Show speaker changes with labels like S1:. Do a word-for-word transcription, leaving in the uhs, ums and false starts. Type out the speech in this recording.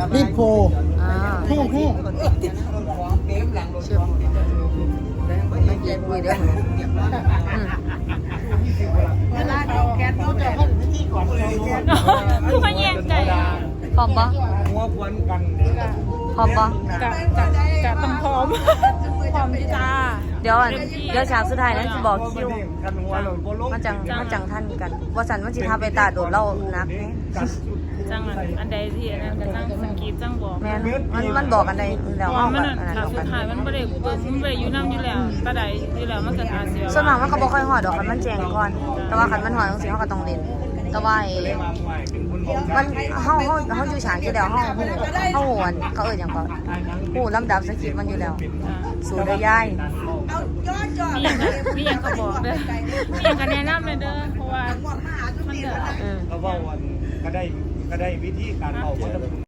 S1: รีบโค
S2: อ่า
S1: แห้งแห้ง
S2: เชื่อไม่เก็บคุยเด้ออืม
S1: เวลาเอาแก๊สเขาจะให้พิธีก่อนเลย
S3: คือมาแย่งใจ
S2: พร้อมปะ
S4: หัวควนกัน
S2: พร้อมปะ
S3: กะกะกะต้องพร้อมพร้อมจ้า
S2: เดี๋ยวอันเดี๋ยวฉากสุดท้ายนั้นจะบอกคิว
S4: กันหัวเราโบลง
S2: มันจังมันจังท่านกันว่าสันมันสิทาไปตาโดดเล่านักแน่
S3: จังอันอันใดที่อันนั้นก็จังสกีจังบอก
S2: แม่นมันมันบอกกันในแล้ว
S3: ว่า
S2: เอา
S3: มั
S2: แบ
S3: น
S2: บอันนั้น
S3: หลัก
S2: บอก
S3: สุ
S2: กั
S3: ด
S2: น
S3: ท้ายมันไม่ได้มันไม่ได้อยู่น้ำอยู่แล้วตาใดอยู่แล้วมันเกิดอาเซีย
S2: ส่วนมากมันก็บ่ค่อยหอดดอกคันมันแจงก่อน แต่ว่าคันมันหอดจังซี่เฮาก็ต้องเล่นแต่ว่าไอ้มันเฮาเฮาเฮาอยู่ฉากอยู่แล้วเฮาฮู้เฮาฮู้อันเขาเอิ้นหยังก็ฮู้ลำดับสคริปต์มันอยู่แล้ว สู่ได้ยาย
S3: มีอย่างมีอย่างก็บอกเด้อมีอย่างก็แนะนำเลยเด้อเพราะว่ามันเดือด
S2: อืม
S4: ก็ว่าวันก็ได้ก็ได้วิธีการเป่า